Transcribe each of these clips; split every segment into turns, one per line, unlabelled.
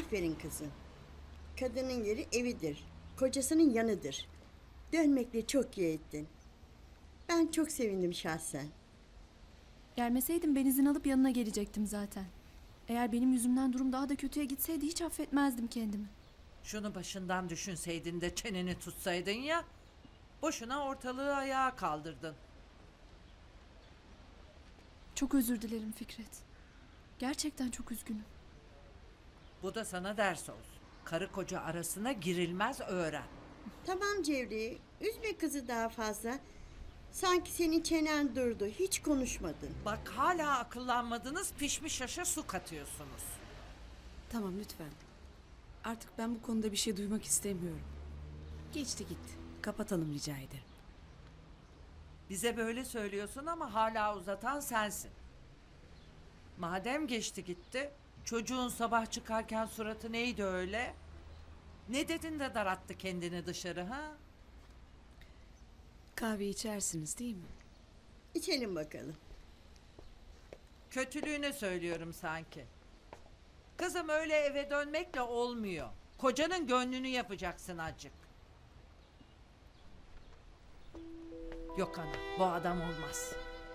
Aferin kızım. Kadının yeri evidir. Kocasının yanıdır. Dönmekle çok iyi ettin. Ben çok sevindim şahsen.
Gelmeseydim ben izin alıp yanına gelecektim zaten. Eğer benim yüzümden durum daha da kötüye gitseydi hiç affetmezdim kendimi.
Şunu başından düşünseydin de çeneni tutsaydın ya. Boşuna ortalığı ayağa kaldırdın.
Çok özür dilerim Fikret. Gerçekten çok üzgünüm.
Bu da sana ders olsun. Karı koca arasına girilmez, öğren.
Tamam Cevriye, üzme kızı daha fazla. Sanki senin çenen durdu, hiç konuşmadın.
Bak hala akıllanmadınız, pişmiş aşa su katıyorsunuz.
Tamam lütfen. Artık ben bu konuda bir şey duymak istemiyorum. Geçti gitti. Kapatalım rica ederim.
Bize böyle söylüyorsun ama hala uzatan sensin. Madem geçti gitti, çocuğun sabah çıkarken suratı neydi öyle? Ne dedin de darattı kendini dışarı ha?
Kahve içersiniz değil mi?
İçelim bakalım.
Kötülüğüne söylüyorum sanki. Kızım öyle eve dönmekle olmuyor. Kocanın gönlünü yapacaksın acık. Yok ana, bu adam olmaz.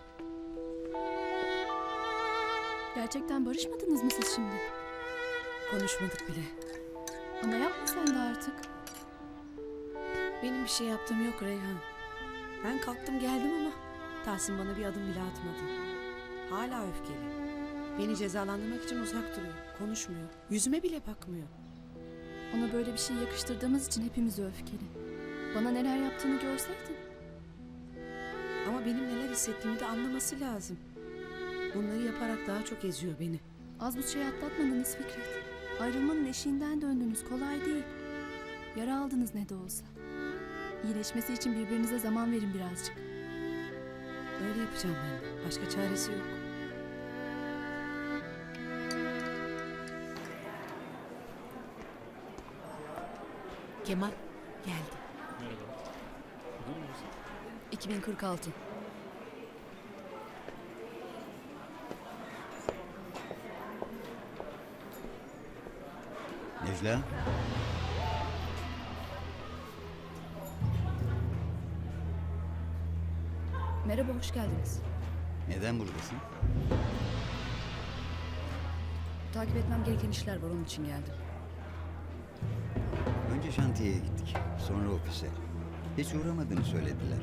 Gerçekten barışmadınız mı siz şimdi?
Konuşmadık bile.
Ama yapma sen de artık.
Benim bir şey yaptığım yok Reyhan. Ben kalktım geldim ama Tahsin bana bir adım bile atmadı. Hala öfkeli. Beni cezalandırmak için uzak duruyor. Konuşmuyor. Yüzüme bile bakmıyor.
Ona böyle bir şey yakıştırdığımız için hepimiz öfkeli. Bana neler yaptığını görseydin.
Ama benim neler hissettiğimi de anlaması lazım. Bunları yaparak daha çok eziyor beni.
Az bu şey atlatmadınız Fikret. Ayrılmanın eşiğinden döndünüz, kolay değil. Yara aldınız ne de olsa. İyileşmesi için birbirinize zaman verin birazcık.
Öyle yapacağım ben. Başka çaresi yok. Kemal geldi.
2046.
Necla?
Merhaba, hoş geldiniz.
Neden buradasın?
Takip etmem gereken işler var, onun için geldim.
Önce şantiyeye gittik. Sonra ofise. Hiç uğramadığını söylediler.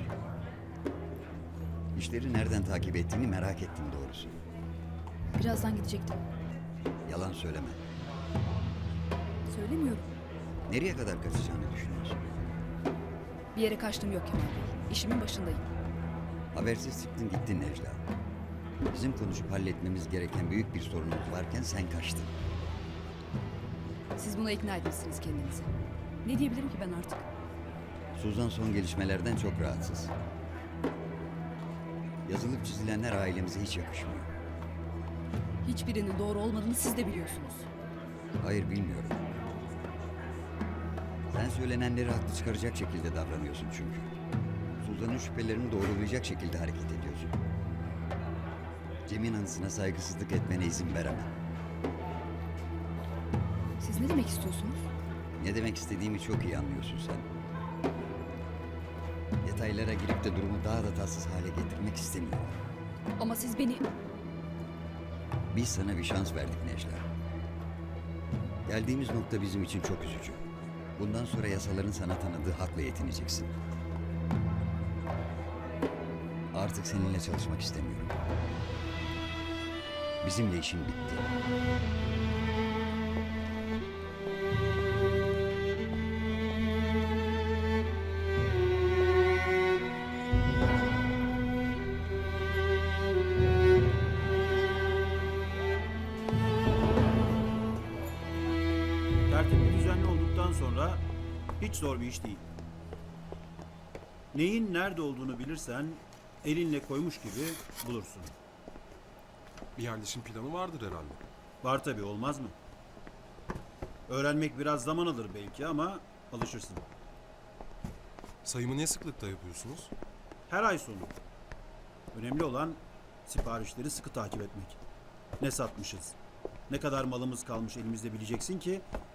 İşleri nereden takip ettiğini merak ettim doğrusu.
Birazdan gidecektim.
Yalan söyleme.
Söylemiyorum.
Nereye kadar kaçacağını düşünüyorsun?
Bir yere kaçtım yok Kemal Bey. İşimin başındayım.
Habersiz çıktın gittin Necla. Bizim konuşup halletmemiz gereken büyük bir sorunumuz varken sen kaçtın.
Siz buna ikna etmişsiniz kendinizi. Ne diyebilirim ki ben artık?
Suzan son gelişmelerden çok rahatsız. Yazılıp çizilenler ailemize hiç yakışmıyor.
Hiçbirinin doğru olmadığını siz de biliyorsunuz.
Hayır bilmiyorum. Sen söylenenleri haklı çıkaracak şekilde davranıyorsun çünkü. Suzan'ın şüphelerini doğrulayacak şekilde hareket ediyorsun. Cem'in anısına saygısızlık etmene izin veremem.
Siz ne demek istiyorsunuz?
Ne demek istediğimi çok iyi anlıyorsun sen. Detaylara girip de durumu daha da tatsız hale getirmek istemiyorum.
Ama siz beni...
Biz sana bir şans verdik Necla. Geldiğimiz nokta bizim için çok üzücü. Bundan sonra yasaların sana tanıdığı hakla yetineceksin. Artık seninle çalışmak istemiyorum. Bizimle işin bitti.
Tertipli düzenli olduktan sonra hiç zor bir iş değil. Neyin nerede olduğunu bilirsen elinle koymuş gibi bulursun.
Bir yerleşim planı vardır herhalde.
Var tabii, olmaz mı? Öğrenmek biraz zaman alır belki ama alışırsın.
Sayımı ne sıklıkta yapıyorsunuz?
Her ay sonu. Önemli olan siparişleri sıkı takip etmek. Ne satmışız, ne kadar malımız kalmış elimizde bileceksin ki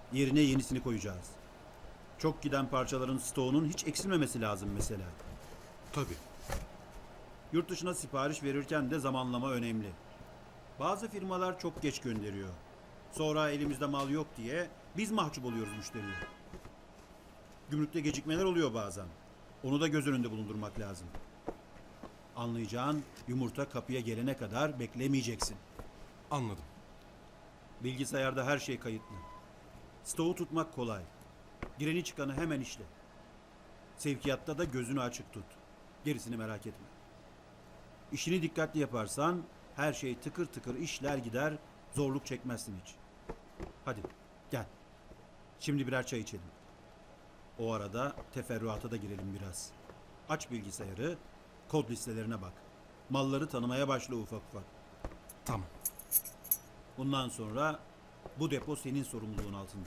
Yerine yenisini koyacağız. Çok giden parçaların stoğunun hiç eksilmemesi lazım mesela.
Tabii.
Yurt dışına sipariş verirken de zamanlama önemli. Bazı firmalar çok geç gönderiyor. Sonra elimizde mal yok diye biz mahcup oluyoruz müşteriye. Gümrükte gecikmeler oluyor bazen. Onu da göz önünde bulundurmak lazım. Anlayacağın, yumurta kapıya gelene kadar beklemeyeceksin.
Anladım.
Bilgisayarda her şey kayıtlı. Stoğu tutmak kolay. Gireni çıkanı hemen işle. Sevkiyatta da gözünü açık tut. Gerisini merak etme. İşini dikkatli yaparsan her şey tıkır tıkır işler gider, zorluk çekmezsin hiç. Hadi gel. Şimdi birer çay içelim. O arada teferruata da girelim biraz. Aç bilgisayarı, kod listelerine bak. Malları tanımaya başla ufak ufak.
Tamam.
Bundan sonra bu depo senin sorumluluğun altında.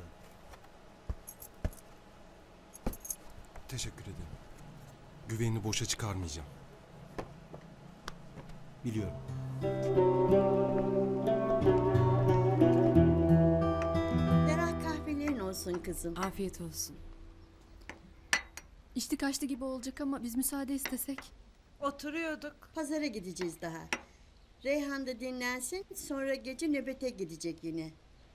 Teşekkür ederim. Güvenini boşa çıkarmayacağım.
Biliyorum.
Ferah kahvelerin olsun kızım.
Afiyet olsun.
İçti kaçtı gibi olacak ama biz müsaade istesek.
Oturuyorduk.
Pazara gideceğiz daha. Reyhan da dinlensin, sonra gece nöbete gidecek yine.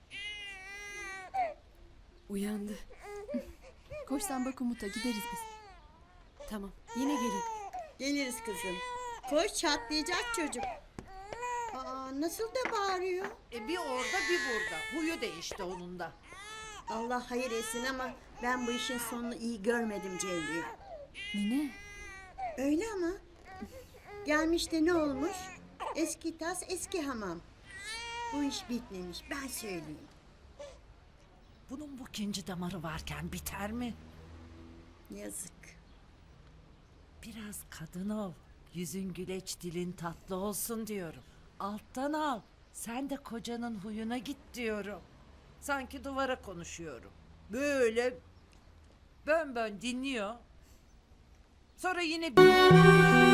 Uyandı.
Koş sen bak Umut'a, gideriz biz.
Tamam. Yine gelin.
Geliriz kızım. Koş, çatlayacak çocuk. Aa, nasıl da bağırıyor.
Bir orada bir burada. Huyu değişti onun da.
Allah hayır etsin ama ben bu işin sonunu iyi görmedim Cevriye.
Nine,
Öyle ama. Gelmiş de ne olmuş? Eski tas eski hamam. Bu iş bitmemiş, ben söyleyeyim.
Bunun bu ikinci damarı varken biter mi?
Yazık.
Biraz kadın ol. Yüzün güleç, dilin tatlı olsun diyorum. Alttan al. Sen de kocanın huyuna git diyorum. Sanki duvara konuşuyorum. Böyle bön bön dinliyor. Sonra yine bir...